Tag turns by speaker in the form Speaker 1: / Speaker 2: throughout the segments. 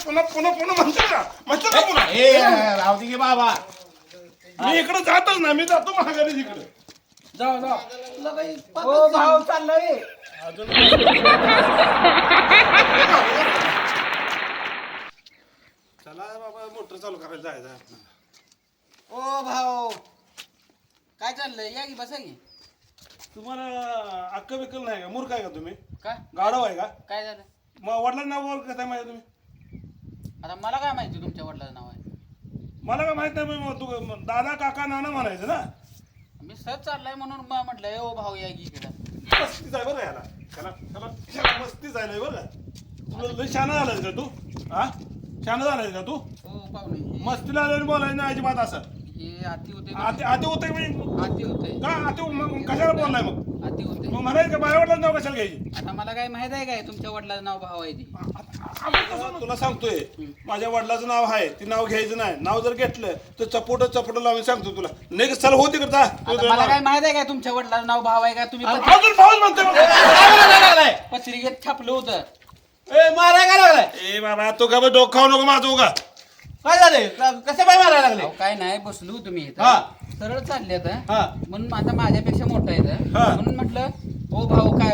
Speaker 1: पुन्हा पुन्हा पुन्हा म्हणतो का पुन्हा
Speaker 2: राहू दे की बाबा.
Speaker 1: मी इकडे जातच ना मी जातो महागारी तिकडे
Speaker 3: जाऊ जाऊ
Speaker 2: हो भाऊ चाललंय.
Speaker 1: अजून चला बाबा मोटर चालू करायला जायचं आपल्याला.
Speaker 3: ओ भाऊ काय चाललंय या की बसा की
Speaker 1: तुम्हाला अक्कल बिक्कल नाही का मूर्ख आहे का तुम्ही
Speaker 3: का
Speaker 1: गाढव आहे का
Speaker 3: काय झालं
Speaker 1: मग वडिलांना नाव ओळखत आहे माझ्या तुम्ही
Speaker 3: आता मला काय माहिती तुमच्या वडिलाचं नाव आहे
Speaker 1: मला काय माहित नाही मग तू दादा काका नाना म्हणायचं ना
Speaker 3: मी सहज चाललाय म्हणून म्हटलं ओ भाऊ या की इकडं
Speaker 1: मस्तीच आहे बरं याला त्याला मस्तीच आहे लय बरं तुला लय शाणा झालायस का तू हा शाणा झालायस का तू
Speaker 3: हो पाहुणे
Speaker 1: मस्तीला आल्याने बोलायचं नाही अजिबात असं
Speaker 3: हे आती होते
Speaker 1: आते होते म्हणजे
Speaker 3: आती होते
Speaker 1: का आते मग कशाला बोललाय मग
Speaker 3: आती होते
Speaker 1: मग म्हणायचं का माझ्या वडिलांचं नाव कशाला घ्यायची
Speaker 3: आता मला काय माहित आहे काय तुमच्या वडिलाचं नाव भाऊ आहे ते
Speaker 1: तुला सांगतोय माझ्या वडिलाचं नाव आहे ते नाव घ्यायचं नाही नाव जर घेतलं तर चपोट लावून सांगतो तुला नाही चल हो तिकडे जा
Speaker 3: आता मला काय माहित आहे काय तुमच्या वडिलाचं नाव भाऊ आहे का तुम्ही
Speaker 1: अजून भाऊच म्हणतोय
Speaker 3: पत्रिकेत छापलं होतं
Speaker 2: माराय काय लागलाय?
Speaker 1: ए बाबा तू का डोकं खाऊ नको माझं उगा
Speaker 2: काय झाले कसे पाय मारायला लागले?
Speaker 3: अहो, काय नाही बसलो तुम्ही
Speaker 2: हा.
Speaker 3: इथं सरळ चालले आता
Speaker 2: हा.
Speaker 3: म्हणून आता माझ्यापेक्षा मोठा आहे
Speaker 1: हा.
Speaker 3: म्हणून म्हटलं ओ भाऊ काय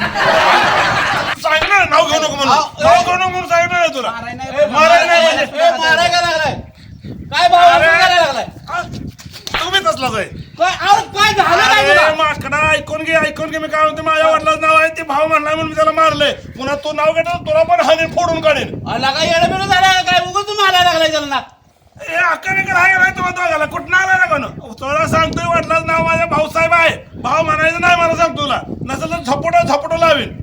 Speaker 1: सांग ना नाव घेऊ नको म्हणून नाव घेऊ नको म्हणून सांग ना तुला
Speaker 3: माराय नाही
Speaker 1: माराय नाही म्हणजे.
Speaker 2: माराय काय लागलाय? काय भाऊ मारायला लागलाय?
Speaker 1: हा? तुम्ही तसलाच आहे
Speaker 2: काय झालं काय
Speaker 1: अरे
Speaker 2: तुला?
Speaker 1: माकडा ऐकून घे मी काय म्हणते माझ्या वडिलाचं नाव आहे ते भाऊ म्हणलाय म्हणून मी त्याला मारलंय पुन्हा तू नाव घेतो तुला पण हानी फोडून काढेन
Speaker 2: अला काय येडं बिडं झालं काय उगाच तू मारायला लागलाय त्याला ना?
Speaker 1: ए अक्का बिक्कल आहे का नाही तुम्हाला दोघाला कुठं आला ना कोण तुला सांगतोय वडिलाचं नाव माझ्या भाऊसाहेब आहे भाऊ म्हणायचं नाही मला सांगतो तुला नसेल तर झपोटो लावीन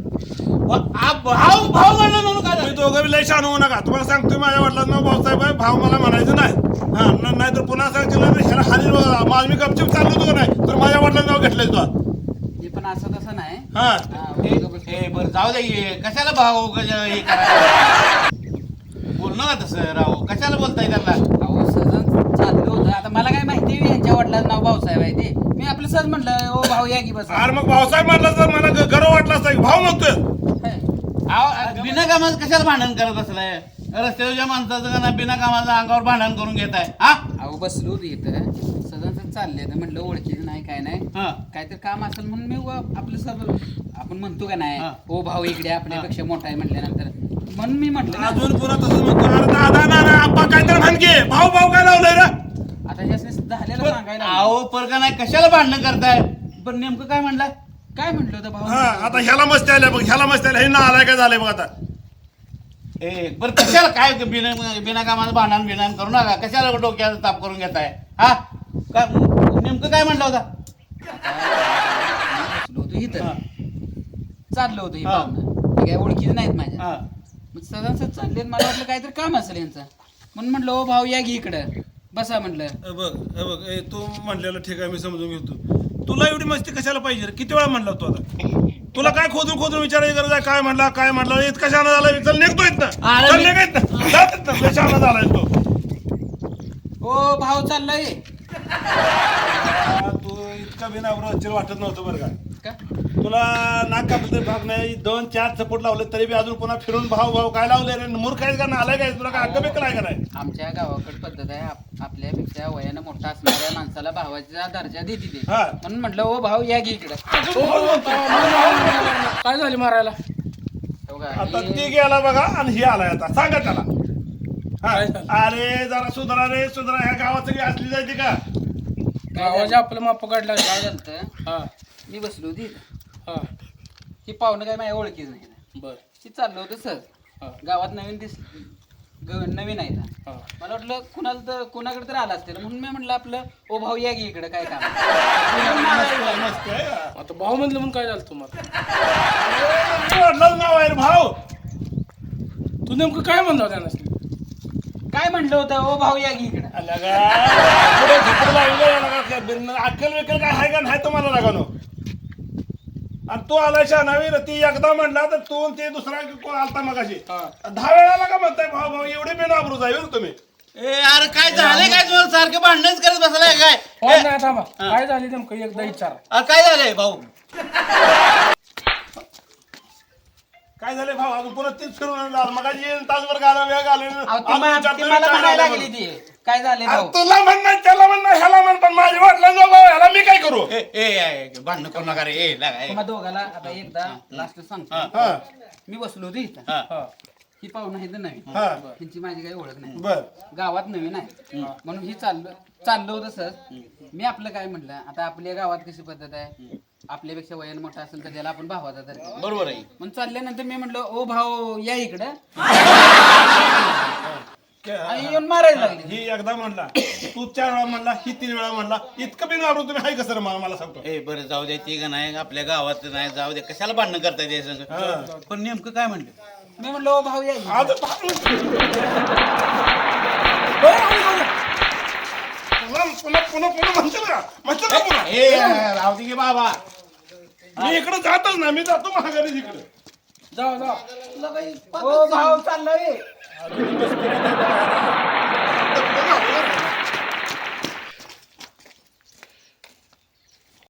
Speaker 2: भाऊ भाऊ म्हणलं म्हणून काय
Speaker 1: तुम्ही
Speaker 2: झालं?
Speaker 1: दोघं बी लय शान होऊ नका तुम्हाला सांगतोय माझ्या वडिलाचं नाव भाऊसाहेब आहे भाऊ मला म्हणायचं नाही हा नाही तर पुन्हा सांगितलं ह्याला हानी माझ मी गपचिप चाललो होतो का नाही तर माझ्या वडिलांचं नाव घेतलंय तुला
Speaker 3: हे पण असं तसं नाही
Speaker 1: हा
Speaker 2: हे बरं जाऊ दे हे. कशाला भाऊ हे करायला बोलणं का तसं राव कशाला बोलताय त्याला?
Speaker 3: अहो सहज चाललं होतं आता मला काय माहिती यांच्या वडिलाचं नाव भाऊसाहेब आहे ते मी आपलं सहज म्हटलं ओ भाऊ या की बस
Speaker 1: अरे मग भाऊसाहेब म्हणला तर मला गर्व वाटला असता की भाऊ म्हणतोय
Speaker 2: बिना कामाचं कशाला भांडण करत असलाय? रस्त्याच्या माणसाचं का ना बिना कामाचं अंगावर भांडण करून घेत आहे हा?
Speaker 3: अहो बसलो होतो इथं सहज चालले तर म्हटलं ओळखीचं नाही काय नाही
Speaker 2: हा.
Speaker 3: काहीतरी काम असेल म्हणून मी आपलं सर्व आपण म्हणतो का नाही
Speaker 2: हा.
Speaker 3: ओ भाऊ इकडे आपल्यापेक्षा मोठा आहे म्हटल्यानंतर म्हणून मी म्हटलं ना.
Speaker 1: अजून पुन्हा तसं म्हणतो अरे दादा नाना आप्पा काहीतरी म्हणके भाऊ काय लावलंय रे
Speaker 3: आता ह्यासने झालेलं सांगायला
Speaker 2: अहो परका नाही कशाला भांडण करताय? पण नेमकं काय म्हणलाय?
Speaker 3: काय म्हटलं होतं भाऊ
Speaker 1: हा आता ह्याला मस्ती आल्या बघ ह्याला मस्ती आल्या हे ना आलाय काय झालंय बघ आता
Speaker 2: ए बरं कशाला काय बिना कामाचं भांडण बिनान करू नका कशाला डोक्याचा ताप करून घेताय हा? काय नेमकं काय म्हणलं होता?
Speaker 3: बसलो होतो इथं
Speaker 2: हा.
Speaker 3: चाललो होतो ही
Speaker 2: हा.
Speaker 3: पाहुणं ते काय ओळखीचं नाहीत माझ्या
Speaker 2: हा.
Speaker 3: मग सहज चालले मला वाटलं काहीतरी काम असेल यांचं म्हणून म्हटलं ओ भाऊ या घे इकडं बसा म्हटलं
Speaker 1: बघ तू म्हणलेलं ठीक आहे मी समजून घेतो तुला एवढी मस्ती कशाला पाहिजे रे? किती वेळा म्हणला तू आता तुला काय खोदून विचारायची गरज आहे काय म्हणला इतका शाणा झालाय चल निघतो इथनं
Speaker 2: अरे
Speaker 1: चल
Speaker 2: मी-
Speaker 1: निघ इथनं. जा तिथनं. लय शाणा झालाय तो
Speaker 3: ओ भाऊ चाललंय
Speaker 1: तू इतका बिनावर वाटत नव्हतं बरं का
Speaker 3: का
Speaker 1: तुला नाक कापलं तरी भाग नाही 2-4 चपोट लावले तरी बी अजून पुन्हा फिरून भाऊ काय लावले रे मूर्ख आहेस का नालाय काय तुला काय अक्का बिक्कल आहे का नाही
Speaker 3: आमच्या गावाकडे पद्धत आहे आपल्यापेक्षा वयानं मोठा असणाऱ्या माणसाला भावाचा दर्जा देते ते
Speaker 2: हा.
Speaker 3: म्हणून म्हटलं ओ भाऊ या घे इकडं
Speaker 4: काय झाली मारायला?
Speaker 3: हो का?
Speaker 1: आता
Speaker 3: हे-
Speaker 1: ती गेला बघा आणि ही आलाय आता सांगा त्याला हा.
Speaker 4: काय झालं?
Speaker 1: अरे जरा सुधरा रे सुधरा ह्या गावात सगळी असली जायची का
Speaker 4: गावाच्या आपलं माप काढला.
Speaker 3: काय झालं
Speaker 4: हा
Speaker 3: मी बसलो होती इथं.
Speaker 4: हा
Speaker 3: ही पाहुणं काय माझ्या ओळखीच नाही ना.
Speaker 4: बर
Speaker 3: ती चाललो होतं
Speaker 4: हा.
Speaker 3: सहज गावात नवीन आहे ना
Speaker 4: हा
Speaker 3: मला वाटलं कुणाकडे तर आला असतील म्हणून मी म्हटलं आपलं ओ भाऊ या घे इकडं काय काम
Speaker 1: मस्त आहे हा.
Speaker 4: आता भाऊ म्हणलं म्हणून काय झालं तुम्हाला?
Speaker 1: अरे, वडिलांचं नाव आहे रे भाऊ
Speaker 4: तू नेमकं काय म्हणला त्यांना?
Speaker 3: काय म्हटलं होतं ओ भाऊ या घे इकडं
Speaker 1: आला का? पुढे झोपडं लावलं याला का? अक्कल विकल काय आहे का नाही तुम्हाला लगानो आणि तू आलाय शहाणावी रे ती एकदा म्हणला तर तू आणि ते दुसरा कोण आलता मगाशी
Speaker 4: हा.
Speaker 1: 10 वेळाला का म्हणताय भाऊ एवढे बेनाबरू जाईल तुम्ही
Speaker 2: ए अरे काय झालंय काय तुम्हाला सारखं भांडणच करत बसलाय काय?
Speaker 4: हो
Speaker 2: ए,
Speaker 4: नाही थांबा. काय झाली नेमकं एकदा विचार.
Speaker 2: अरे काय झालंय भाऊ?
Speaker 1: काय काय झालं भाऊ अजून पुन्हा तीच फिरून आणणार मग तासभर घाला वेळ घालून
Speaker 3: अहो, ती मला म्हणायला लागली ती काय झाले भाऊ
Speaker 1: तुला म्हणणार त्याला म्हणणार ह्याला म्हण पण माझ्या वाटलं भाऊ ह्याला मी काय करू
Speaker 2: भांडण करू नका रे
Speaker 3: तुम्हा दोघाला आता एकदा लास्ट सांगतो
Speaker 1: हा
Speaker 3: मी बसलो होतो इथं
Speaker 4: हा.
Speaker 3: ही पाहुणं आहे तर नवीन
Speaker 1: हा
Speaker 3: त्यांची माझी काही ओळख नाही
Speaker 1: बर
Speaker 3: गावात नवीन आहे म्हणून ही चाललो होतं सर मी आपलं काय म्हटलं आता आपल्या गावात कशी पद्धत आहे आपल्यापेक्षा वयानं मोठा असेल तर त्याला आपण भावाचा तर
Speaker 2: बरोबर आहे
Speaker 3: मग चालल्यानंतर मी म्हटलं ओ भाऊ या इकडं आणि येऊन मारायला लागले
Speaker 1: ही एकदा म्हणला तू 4 वेळा म्हणला ही 3 वेळा म्हणला इतकं बिन घाबरून तुम्ही हाय कसं मला सांगतो
Speaker 2: बरं जाऊ दे ती का नाही आपल्या गावात नाही जाऊ दे कशाला भांडणं करता ते संग पण नेमकं काय म्हणलं
Speaker 3: मी म्हटलं ओ भाऊ या इकडं.
Speaker 1: आज पुन्हा पुन्हा पुन्हा म्हणशील का पुन्हा
Speaker 2: राहू दे की बाबा
Speaker 1: मी इकडे जातच ना मी जातो महागारी इकडे
Speaker 4: जाऊ जाऊ
Speaker 3: ओ भाऊ चाललोय
Speaker 1: अजून बस केली